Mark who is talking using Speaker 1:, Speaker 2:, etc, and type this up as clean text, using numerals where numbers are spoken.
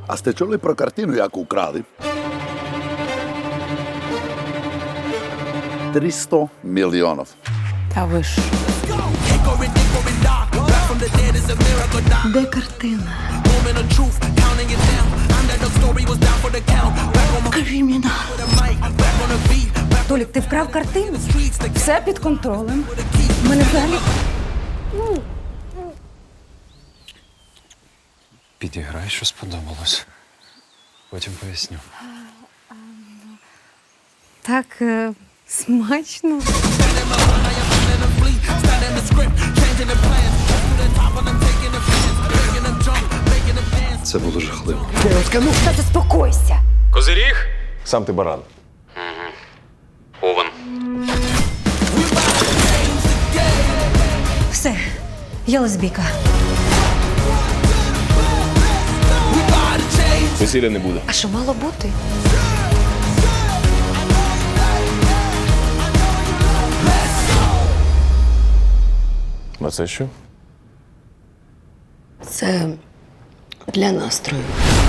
Speaker 1: А сте чули про картину, яку украли? 300 мільйонів.
Speaker 2: Та ви ж.
Speaker 3: Де картина? Кримінал.
Speaker 2: Толік, ти вкрав картину? Все під контролем. У мене взагалі.
Speaker 4: Підіграй, що сподобалось. Потім поясню.
Speaker 2: Так смачно.
Speaker 4: Це було жахливо.
Speaker 2: Та заспокойся.
Speaker 4: Козиріг?
Speaker 5: Сам ти баран.
Speaker 4: Овен.
Speaker 2: Все, я лесбійка.
Speaker 5: Весілля не буде.
Speaker 2: А що мало бути?
Speaker 5: А це що?
Speaker 3: Це для настрою.